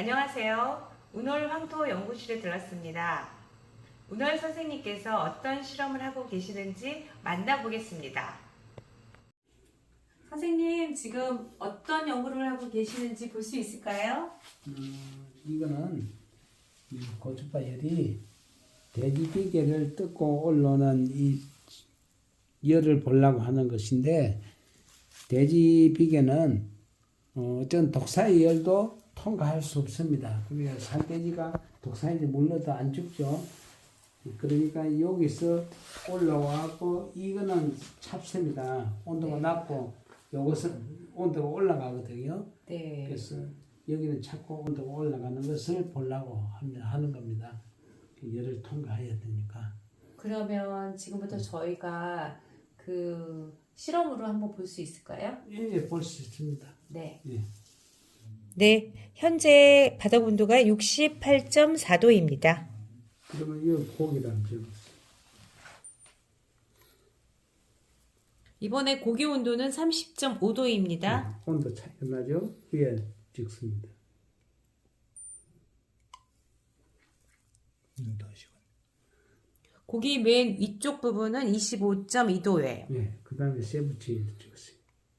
안녕하세요. 운월 황토 연구실에 들렀습니다. 운월 선생님께서 어떤 실험을 하고 계시는지 만나보겠습니다. 선생님, 지금 어떤 연구를 하고 계시는지 볼 수 있을까요? 이거는 이 고주파열이 대지비계를 뜯고 올라오는 이 열을 보려고 하는 것인데, 대지비계는 어떤 독사의 열도 통과할 수 없습니다. 그러니까 산돼지가 독사에 물러도 안 죽죠. 그러니까 여기서 올라와고 이거는 찹습니다. 온도가 낮고 이것은 온도가 올라가거든요. 네. 그래서 여기는 자꾸 온도가 올라가는 것을 보려고 하는 겁니다. 열을 통과해야 되니까. 그러면 지금부터 저희가 그 실험으로 한번 볼 수 있을까요? 예, 볼 수 있습니다. 네. 예. 네, 현재 바닥 온도가 68.4도입니다. 그러면 이 고기랑 적었어요. 이번에 고기 온도는 30.5도입니다. 네, 온도 차이가 나죠? 위에 찍습니다. 고기 맨 위쪽 부분은 25.2도예요. 네, 그 다음에 세부치에도 찍었어요.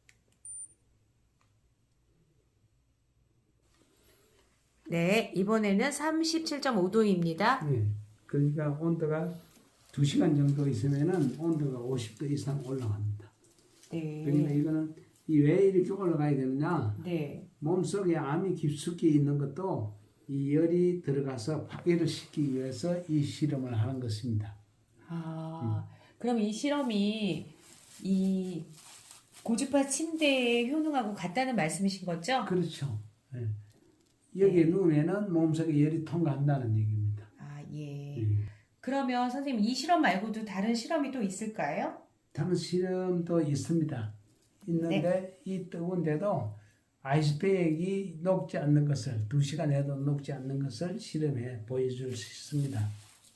네, 이번에는 37.5도입니다. 네, 그러니까 온도가 2시간 정도 있으면은 온도가 50도 이상 올라갑니다. 그러니까 네. 이거는 왜 이렇게 올라가야 되느냐? 네. 몸속에 암이 깊숙이 있는 것도 이 열이 들어가서 파괴를 시키기 위해서 이 실험을 하는 것입니다. 그럼 이 실험이 이 고주파 침대에 효능하고 같다는 말씀이신 거죠? 그렇죠. 예. 여기에 누우면은 몸속에 열이 통과한다는 얘기입니다. 예. 예. 그러면 선생님 이 실험 말고도 다른 실험이 또 있을까요? 다른 실험도 있습니다. 있는데 이 뜨거운데도 아이스팩이 녹지 않는 것을 2시간 해도 녹지 않는 것을 실험해 보여줄 수 있습니다.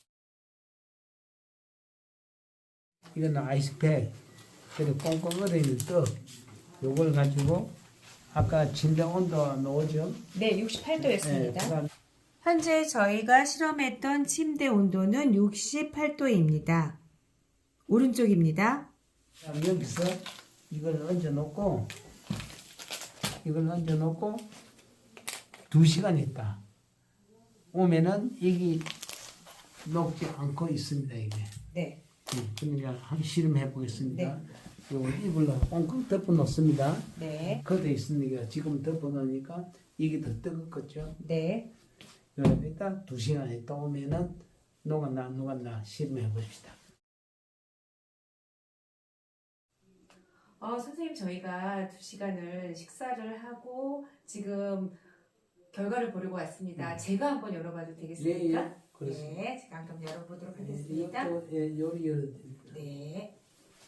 이거는 아이스팩, 그리고 꽁꽁 얼어있는 떡, 요걸 가지고 아까 침대 온도 나오죠? 네, 68도였습니다. 그다음 현재 저희가 실험했던 침대 온도는 68도입니다. 오른쪽입니다. 여기서 이걸 얹어놓고 2시간 있다 오면은 이게 녹지 않고 있습니다. 이게. 네. 그러니까 한번 실험해 보겠습니다. 네. 요거 이불로 꽁꽁 덮어 놓습니다. 네. 걷어 있으니까 지금 덮어 놓으니까 이게 더 뜨겁겠죠. 네. 그러니까 2시간 있다 오면은 녹았나 안 녹았나 실험해 봅시다. 선생님, 저희가 2시간을 식사를 하고 지금 결과를 보려고 왔습니다. 제가 한번 열어봐도 되겠습니까? 예, 그렇습니다. 네, 제가 한번 열어보도록 하겠습니다. 이것도 요리 열어드립니다. 네.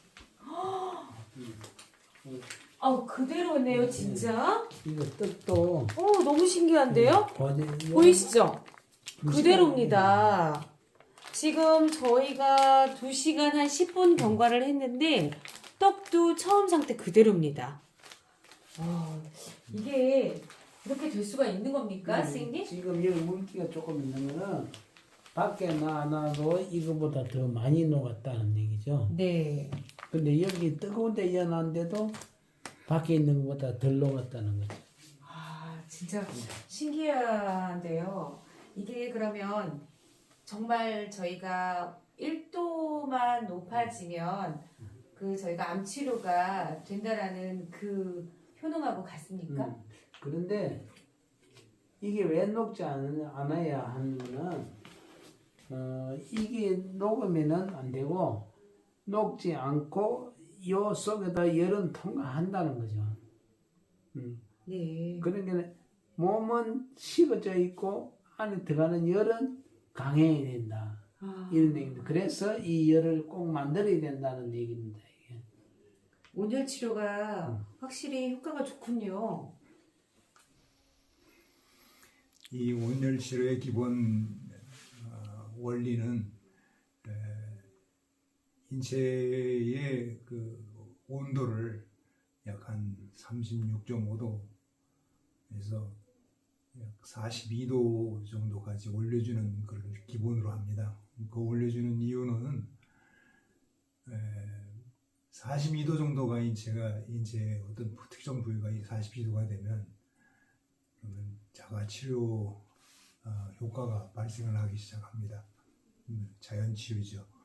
그대로네요, 진짜. 이거 떡도 너무 신기한데요? 보이시죠? 그대로입니다. 지금 저희가 2시간 한 10분 경과를 했는데 떡도 처음 상태 그대로입니다. 이게 이렇게 될 수가 있는 겁니까, 선생님? 지금 여기 물기가 조금 있는 거는 밖에 놔놔도 이거보다 더 많이 녹았다는 얘기죠. 네. 근데 여기 뜨거운 데 이어놨는데도 밖에 있는 것보다 덜 녹았다는 거죠. 진짜 신기한데요. 이게 그러면 정말 저희가 1도만 높아지면 그 저희가 암 치료가 된다라는 그 효능하고 같습니까? 그런데 이게 왜 녹지 않아야 하는 거는 이게 녹으면은 안 되고 녹지 않고 요 속에다 열은 통과한다는 거죠. 네. 그러니까 몸은 식어져 있고 안에 들어가는 열은 강해야 된다. 이런 얘기입니다. 그래서 이 열을 꼭 만들어야 된다는 얘기입니다. 이게. 온열 치료가 확실히 효과가 좋군요. 이 온열 치료의 기본 원리는 인체의 그 온도를 약 한 36.5도에서 약 42도 정도까지 올려주는 걸 기본으로 합니다. 그 올려주는 이유는 42도 정도가 제가 이제 어떤 특정 부위가 42도가 되면 그러면 자가 치료 효과가 발생을 하기 시작합니다. 자연 치유죠.